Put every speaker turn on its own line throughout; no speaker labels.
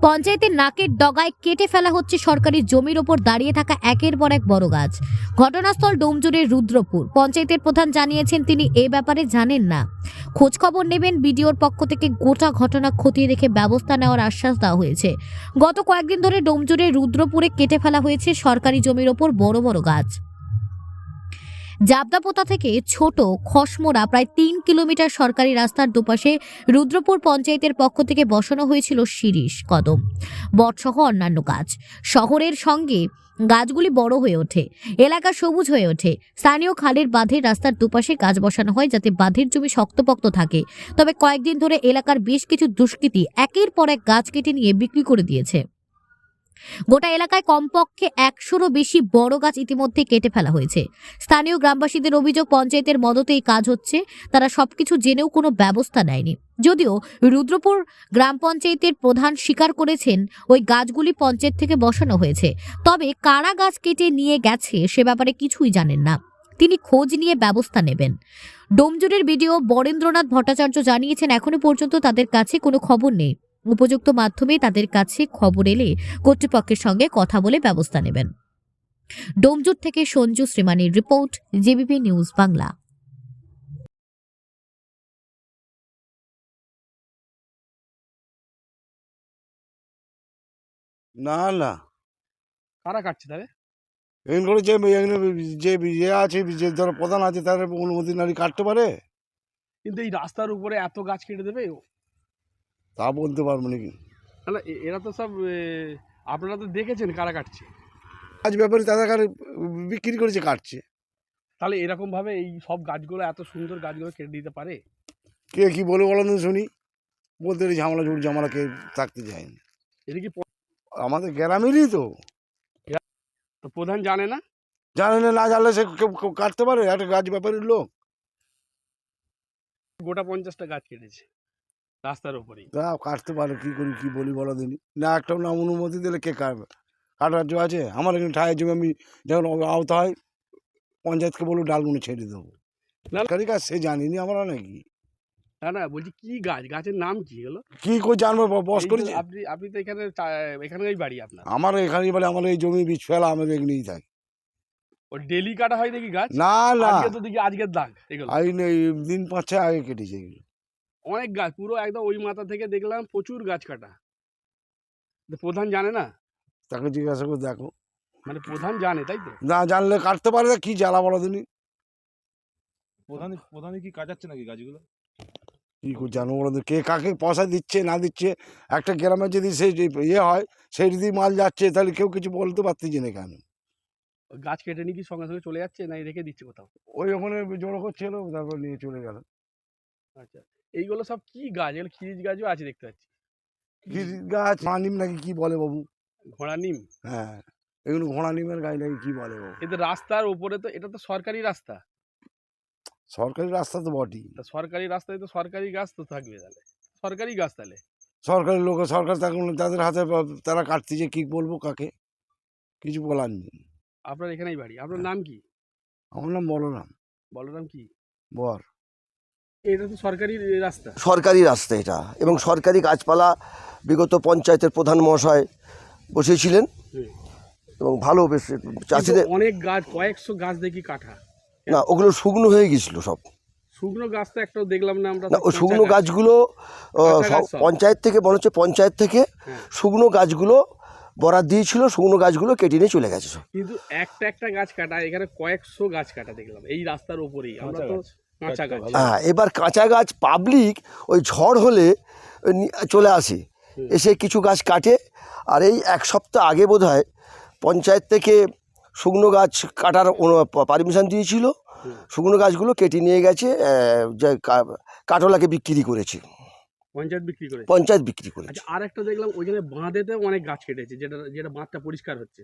পঞ্চায়েতের নাকের ডগায় কেটে ফেলা হচ্ছে সরকারি জমির ওপর দাঁড়িয়ে থাকা একের পর এক বড় গাছ। ঘটনাস্থল ডোমজুড়ের রুদ্রপুর। পঞ্চায়েতের প্রধান জানিয়েছেন তিনি এ ব্যাপারে জানেন না, খোঁজ খবর নেবেন। বিডিওর পক্ষ থেকে গোটা ঘটনা খতিয়ে দেখে ব্যবস্থা নেওয়ার আশ্বাস দেওয়া হয়েছে। গত কয়েকদিন ধরে ডোমজুড়ের রুদ্রপুরে কেটে ফেলা হয়েছে সরকারি জমির ওপর বড় বড় গাছ। জাবদাপোতা থেকে ছোট খসমোড়া প্রায় ৩ কিলোমিটার সরকারি রাস্তার দুপাশে রুদ্রপুর পঞ্চায়েতের পক্ষ থেকে বসানো হয়েছিল শিরীষ, কদম, বটসহ অন্যান্য গাছ। শহরের সঙ্গে গাছগুলি বড় হয়ে ওঠে, এলাকা সবুজ হয়ে ওঠে। স্থানীয় খালের বাঁধের রাস্তার দুপাশে গাছ বসানো হয় যাতে বাঁধের জমি শক্তপোক্ত থাকে। তবে কয়েকদিন ধরে এলাকার বেশ কিছু দুষ্কৃতী একের পর এক গাছ কেটে নিয়ে বিক্রি করে দিয়েছে। গোটা এলাকায় কমপক্ষে ১০০রও বেশি বড় গাছ ইতিমধ্যে কেটে ফেলা হয়েছে। স্থানীয় গ্রামবাসীদের অভিযোগ, পঞ্চায়েতের মদতে এই কাজ হচ্ছে, তারা সবকিছু জেনেও কোনো ব্যবস্থা নেয়নি। যদিও রুদ্রপুর গ্রাম পঞ্চায়েতের প্রধান স্বীকার করেছেন ওই গাছগুলি পঞ্চায়েত থেকে বসানো হয়েছে, তবে কারা গাছ কেটে নিয়ে গেছে সে ব্যাপারে কিছুই জানেন না। তিনি খোঁজ নিয়ে ব্যবস্থা নেবেন। ডোমজুড়ের বিডিও বরেন্দ্রনাথ ভট্টাচার্য জানিয়েছেন এখনো পর্যন্ত তাদের কাছে কোনো খবর নেই। উপযুক্ত মাধ্যমে তাদের কাছে খবর এলে কর্তৃপক্ষের সঙ্গে কথা বলে ব্যবস্থা নেবেন। ডোমজুড় থেকে সঞ্জু শ্রীমানির রিপোর্ট, জেবিপি নিউজ বাংলা।
না না,
কারা কাটছে তাহলে?
এগুলো যে যে আছে, যে ধরো প্রধান আছে, তার অনুমতি নারী কাটতে পারে,
কিন্তু এই রাস্তার উপরে এত গাছ কেটে দেবে?
তা বলতে পারবো নাকি।
তাহলে এরা তো সব আপনারা তো দেখেছেন কারা কাটছে।
আজ ব্যাপারে তাদের কাছে বিক্রি করেছে, কাটছে।
তাহলে এরকম ভাবে এই সব গাছগুলো, এত সুন্দর গাছগুলো কেটে দিতে পারে?
কে কি বলে বলো না শুনি, বলতে পারি ঝামেলা ঝুট ঝামেলা কে থাকতে যায় না।
এটা কি
আমাদের গ্রামেরই তো।
প্রধান জানে না?
জানে না, না জানলে সে কেউ কাটতে পারে? একটা গাছ ব্যাপারের লোক
গোটা 50টা গাছ কেটেছে রাস্তার উপরেই।
তা কাটতে পারে, কি করি কি বলি বলো দিনই। না একটা না অনুমতি দিলে কে কাটবে? কাটার জন্য আছে আমার এখানে ঠায় জমি, আমি যখন আওতা হয় পঞ্চায়েতকে বলবো ডালগুলো ছেড়ে দেবো।
না।
সরকারি গাছ সে জানিনি আমরা নাকি।
না না, বলছি কি গাছ, গাছের নাম কি হলো?
কি করে জানবো? বস
এই যে
করেছে।
আপনি তো এখানেই বাড়ি আপনার।
আমার এখানে বলে আমার এই জমি বীজ ফেলা, আমি এখানেই থাকি।
ও ডেলি কাটা হয় দেখি গাছ?
না না,
আজকে তো দেখি আজকের দাগ এগুলো।
এই দিন ৫-৬ আগে কেটেছে এগুলো।
অনেক গাছ পুরো একদম ওই মাথা থেকে দেখলাম প্রচুর গাছ কাটা। তো প্রধান জানে না?
তাকে জিজ্ঞাসা করে দেখো।
মানে প্রধান জানে তাই তো?
না জানলে কাটতে পারে না, কি জ্বালা বলো দিনই।
প্রধানে কি কাটাচ্ছে নাকি গাছগুলো?
কি করে জানবো বলো দিন? কে কাকে পয়সা দিচ্ছে না দিচ্ছে? একটা গ্রামে যদি সেই ইয়ে হয়, সেই যদি মাল যাচ্ছে, তাহলে কেউ কিছু বলতে পারতেছে না কেন?
ওই গাছ কেটে নিয়ে কি সঙ্গে সঙ্গে চলে যাচ্ছে না রেখে দিচ্ছে কোথাও?
ওই ওখানে জড়ো করছিল, তারপর নিয়ে চলে গেল।
আচ্ছা, এইগুলো সব কি গাছ? এগুলো খিরিজ গাছও আছে দেখতে পাচ্ছি।
কি গাছ? ঘোড়া নিম নাকি কি বলে বাবু?
ঘোড়া নিম?
হ্যাঁ, এগুলো ঘোড়া নিমের গাছ নাকি কি বলে বাবু?
কিন্তু রাস্তার উপরে তো, এটা তো সরকারি রাস্তা।
সরকারি রাস্তা তো বটেই।
তা সরকারি রাস্তায় তো সরকারি গাছ তো থাকবে, তাহলে সরকারি গাছ তাহলে।
সরকারি লোক, সরকার তাদের হাতে তারা কাটতেছে, কি বলবো কাকে? কিছু বলার নেই।
আপনার এখানেই বাড়ি, আপনার নাম কি?
আমার নাম বলরাম।
বলরাম কি?
বর।
এটা তো সরকারি রাস্তা।
সরকারি রাস্তা এটা, এবং সরকারি গাছপালা বিগত পঞ্চায়েতের প্রধান মহাশয় বসেছিলেন
হুম।
এবং ভালো বেশ চাষিদের।
কিন্তু অনেক গাছ, কয়েকশো গাছ দেখি কাটা।
না, ওগুলো শুকনো হয়ে গেছিলো সব।
শুকনো গাছ তো একটাও দেখলাম না আমরা।
না, ওই শুকনো গাছগুলো
কাঁচা গাছ সব।
পঞ্চায়েত থেকে মনে হচ্ছে পঞ্চায়েত থেকে
হ্যাঁ।
শুকনো গাছগুলো বরাদ দিয়েছিল, শুকনো গাছগুলো কেটে নিয়ে চলে গেছে সব।
কিন্তু একটা একটা গাছ কাটা, এখানে কয়েকশো গাছ কাটা দেখলাম এই রাস্তার উপরেই। আমরা তো কাঁচা গাছ।
হ্যাঁ, এবার কাঁচা গাছ পাবলিক ওই ঝড় হলে চলে আসে, এসে কিছু গাছ কাটে। আর এই এক সপ্তাহ আগে বোধহয় পঞ্চায়েত থেকে শুকনো গাছ কাটার পারমিশন দিয়েছিল। শুকনো গাছগুলো কেটে নিয়ে গেছে, যে কাটলাকে বিক্রি করেছে,
পঞ্চায়েত বিক্রি করে।
পঞ্চায়েত বিক্রি করেছে।
আচ্ছা, আর একটা দেখলাম ওইখানে বাঁধেতেও অনেক গাছ কেটেছে, যেটা যেটা বাঁধটা পরিষ্কার হচ্ছে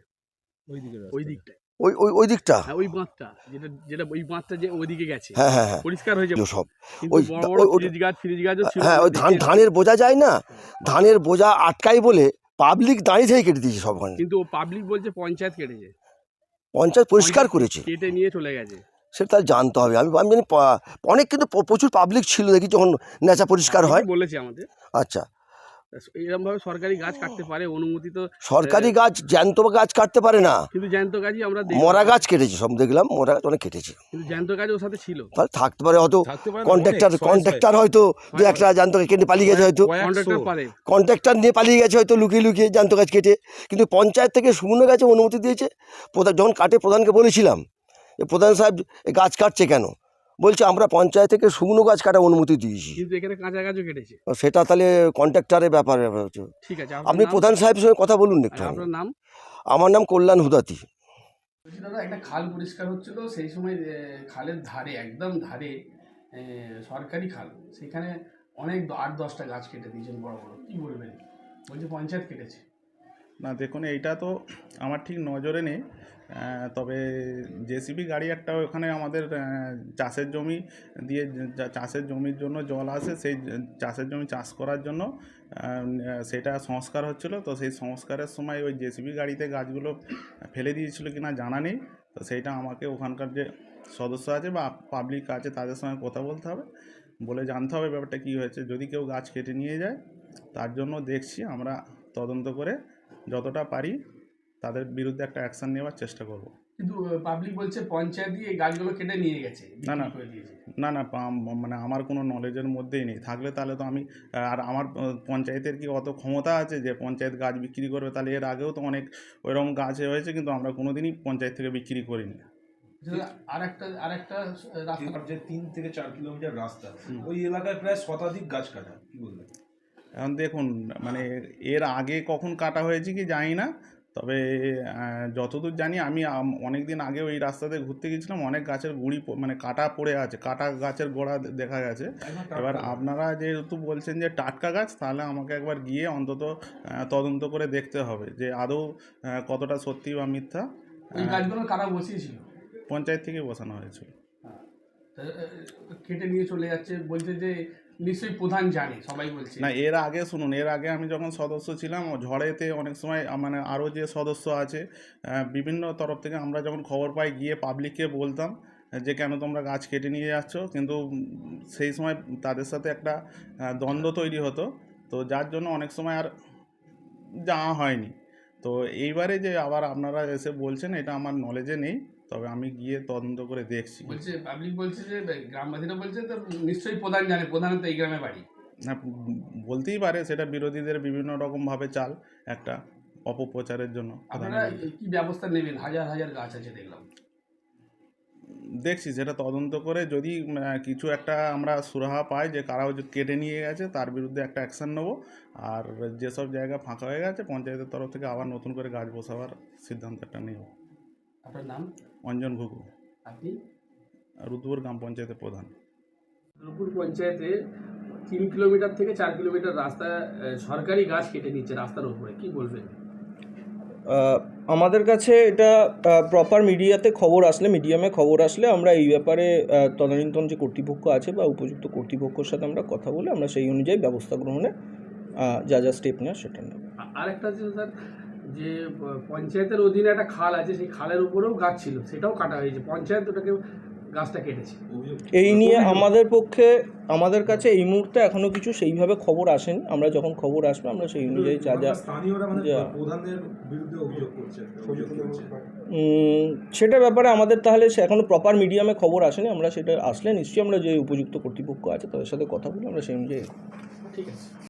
ওই দিকটায়।
ওই ওই ওই দিকটা,
হ্যাঁ, ওই বাঁধটা যেটা যেটা ওই বাঁধটা যে ওইদিকে গেছে,
হ্যাঁ হ্যাঁ হ্যাঁ,
পরিষ্কার হয়ে যাবে
সব।
কিন্তু
ওই
বড় বড় ফ্রিজ গাছও ছিল।
হ্যাঁ, ওই ধানের বোঝা যায় না, ধানের বোঝা আটকাই বলে পাবলিক দাঁড়িয়ে থেকে কেটে দিয়েছে সব।
কিন্তু ও পাবলিক বলছে পঞ্চায়েত কেটেছে,
পঞ্চায়েত পরিষ্কার করেছে,
কেটে নিয়ে চলে গেছে।
সেটা জানতে হবে। আমি আমি জানি অনেক, কিন্তু প্রচুর পাবলিক ছিল দেখি যখন নেচা পরিষ্কার হয়।
বলেছে আমাদের।
আচ্ছা,
এরকম ভাবে সরকারি গাছ কাটতে পারে, অনুমতি তো
সরকারি গাছ জ্যান্ত গাছ কাটতে পারে না,
কিন্তু জ্যান্ত গাছই আমরা দেখলাম।
মরা গাছ কেটেছে, সব দেখলাম মরা গাছ অনেক কেটেছে।
কিন্তু জ্যান্ত গাছ ওর সাথে ছিল।
তাহলে থাকতে পারে হয়তো
থাকতে পারে না,
কন্ট্রাক্টর হয়তো দু একটা জ্যান্ত গাছ কেটে পালিয়ে গেছে, হয়তো
কন্ট্রাক্টর পারে।
কন্ট্রাক্টর নিয়ে পালিয়ে গেছে হয়তো লুকিয়ে লুকিয়ে জ্যান্ত গাছ কেটে। কিন্তু পঞ্চায়েত থেকে শুকনো গাছে অনুমতি দিয়েছে। প্রধান যখন কাটে প্রধানকে বলেছিলাম যে প্রধান সাহেব এই গাছ কাটছে কেন, বলছে আমরা পঞ্চায়েত থেকে শুকনো গাছ কাটার অনুমতি দিয়েছি।
কিন্তু এখানে কাঁচা গাছও কেটেছে।
সেটা তাহলে কন্ট্রাক্টরের ব্যাপার হচ্ছে।
ঠিক আছে,
আপনি প্রধান সাহেবের সঙ্গে কথা বলুন একটু।
আপনার নাম?
আমার নাম কল্যাণ হুদাতি।
বলছি দাদা, একটা খাল পরিষ্কার হচ্ছিল, সেই সময় খালের ধারে, একদম ধারে সরকারি খাল, সেখানে অনেক 8-10টা গাছ কেটে দিয়েছেন বড় বড়, কি বলবেন? বলছে পঞ্চায়েত কেটেছে।
না দেখুন, এইটা তো আমার ঠিক নজরে নেই, তবে জেসিবি গাড়ি একটা ওখানে আমাদের চাষের জমি দিয়ে, চাষের জমির জন্য জল আসে, সেই চাষের জমি চাষ করার জন্য সেটা সংস্কার হচ্ছিল। তো সেই সংস্কারের সময় ওই জেসিবি গাড়িতে গাছগুলো ফেলে দিয়েছিল কিনা জানা নেই। তো সেইটা আমাকে ওখানকার যে সদস্য আছে বা পাবলিক আছে তাদের সঙ্গে কথা বলতে হবে, বলে জানতে হবে ব্যাপারটা কী হয়েছে। যদি কেউ গাছ কেটে নিয়ে যায়, তার জন্য দেখছি আমরা তদন্ত করে যতটা পারি তাদের বিরুদ্ধে একটা অ্যাকশন নেওয়ার চেষ্টা করব।
কিন্তু পাবলিক বলছে পঞ্চায়েতই এই গাছগুলো কেটে নিয়ে গেছে,
না, না।
বিক্রি করে দিয়েছে।
না মানে আমার কোনো নলেজের মধ্যেই নেই। থাকলে তাহলে তো আমি, আর আমার পঞ্চায়েতের কি অত ক্ষমতা আছে যে পঞ্চায়েত গাছ বিক্রি করবে? তাহলে এর আগেও তো অনেক ওইরকম গাছ হয়েছে, কিন্তু আমরা কোনো দিনই পঞ্চায়েত থেকে বিক্রি করিনি।
আরেকটা রাস্তা,
যে 3 থেকে 4 কিলোমিটার রাস্তা, ওই এলাকায় প্রায় শতাধিক গাছ কাটা, কি বলবেন?
এখন দেখুন, মানে এর আগে কখন কাটা হয়েছে কি জানি না, তবে যতদূর জানি আমি অনেক দিন আগে ওই রাস্তাতে ঘুরতে গেছিলাম, অনেক গাছের গুঁড়ি মানে কাটা পড়ে আছে, কাটা গাছের গোড়া দেখা গেছে। এবার আপনারা যেহেতু বলছেন যে টাটকা গাছ, তাহলে আমাকে একবার গিয়ে অন্তত তদন্ত করে দেখতে হবে যে আদৌ কতটা সত্যি বা মিথ্যা।
এই গাছগুলো কারা বসিয়েছিল?
পঞ্চায়েত থেকে বসানো হয়েছিল।
কেটে নিয়ে চলে যাচ্ছে, বলছে যে নিশ্চয়ই প্রধান জানে, সবাই বলছে।
না, এর আগে শুনুন, এর আগে আমি যখন সদস্য ছিলাম, ঝড়েতে অনেক সময় মানে আরও যে সদস্য আছে বিভিন্ন তরফ থেকে আমরা যখন খবর পাই, গিয়ে পাবলিককে বলতাম যে কেন তোমরা গাছ কেটে নিয়ে যাচ্ছ, কিন্তু সেই সময় তাদের সাথে একটা দ্বন্দ্ব তৈরি হতো, তো যার জন্য অনেক সময় আর যাওয়া হয়নি। তো এইবারে যে আবার আপনারা এসে বলছেন, এটা আমার নলেজে নেই, তবে আমি গিয়ে তদন্ত করে দেখছি।
বলছে পাবলিক বলছে যে গ্রামবাসীরা বলছে তো নিশ্চয়ই প্রধান জানে, প্রধানের তো এই গ্রামে বাড়ি।
না, বলতেই পারে, সেটা বিরোধীদের বিভিন্ন রকমভাবে চাল, একটা অপপ্রচারের জন্য।
আপনারা কি ব্যবস্থা নেবেন? হাজার হাজার গাছ আছে দেখলাম।
দেখছি সেটা তদন্ত করে, যদি কিছু একটা আমরা সুরাহা পাই যে কারাও যে কেটে নিয়ে গেছে, তার বিরুদ্ধে একটা অ্যাকশান নেবো। আর যেসব জায়গা ফাঁকা হয়ে গেছে, পঞ্চায়েতের তরফ থেকে আবার নতুন করে গাছ বসাবার সিদ্ধান্ত একটা নেব।
আপনার নাম?
অঞ্জন ঘুঘু,
আপনি?
রুদ্রপুর গ্রাম পঞ্চায়েতের প্রধান।
রুদ্রপুর পঞ্চায়েতে 3 কিলোমিটার থেকে 4 কিলোমিটার রাস্তা সরকারি গাছ কেটে নিচ্ছে রাস্তার উপরে, কি বলবেন?
আমাদের কাছে এটা প্রপার মিডিয়াতে খবর আসলে, মিডিয়ামে খবর আসলে আমরা এই ব্যাপারে তদানীন্তন যে কর্তৃপক্ষ আছে বা উপযুক্ত কর্তৃপক্ষের সাথে আমরা কথা বলে আমরা সেই অনুযায়ী ব্যবস্থা গ্রহণে যা যা স্টেপ নেওয়া সেটা নেব।
আরেকটা আছে স্যার, যে পঞ্চায়েতের অধীনে একটা খাল আছে, সেই খালের উপরেও গাছ ছিল, সেটাও কাটা হয়েছে, পঞ্চায়েত ওটাকে গাছটা কেটেছে।
এই নিয়ে আমাদের কাছে এই মুহূর্তে এখনও কিছু সেইভাবে খবর আসেনি। আমরা যখন খবর আসবে আমরা সেই অনুযায়ী যা যা
স্থানীয়রা মানে প্রধানদের বিরুদ্ধে অভিযোগ করছে।
সেটা ব্যাপারে আমাদের তাহলে এখনও প্রপার মিডিয়ামে খবর আসেনি। আমরা সেটা আসলে নিশ্চয়ই আমরা যে উপযুক্ত কর্তৃপক্ষ আছে তাদের সাথে কথা বলে আমরা সেই অনুযায়ী।
ঠিক আছে।